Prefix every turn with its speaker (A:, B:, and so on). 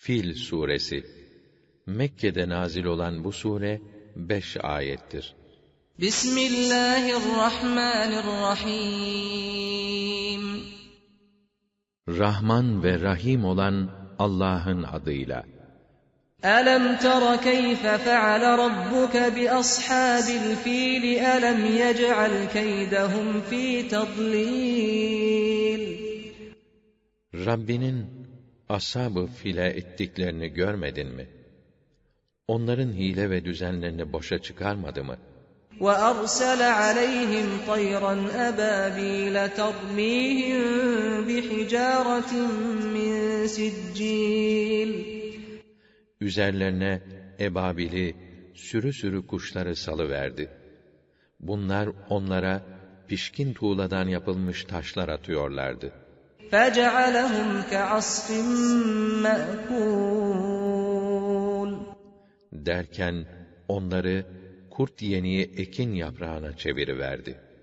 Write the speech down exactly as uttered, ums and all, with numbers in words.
A: Fil suresi. Mekke'de nazil olan bu sure beş ayettir.
B: Bismillahirrahmanirrahim.
A: Rahman ve Rahim olan Allah'ın adıyla.
B: Alam tara keyfe feale rabbuke bi ashabil fil alam yec'al keydehum fi tadlil.
A: Rabbinin ashab-ı file ettiklerini görmedin mi? Onların hile ve düzenlerini boşa çıkarmadı mı?
B: وَأَرْسَلَ عَلَيْهِمْ طَيْرًا أَبَابِيلَ تَرْمِيهِمْ بِحِجَارَةٍ مِّن سِجِّيلٍ.
A: Üzerlerine ebabili, sürü sürü kuşları salıverdi. Bunlar onlara pişkin tuğladan yapılmış taşlar atıyorlardı.
B: فَجَعَلَهُمْ كَعَصْفٍ مَأْكُولٍ.
A: Derken onları kurt yeniği ekin yaprağına çeviriverdi.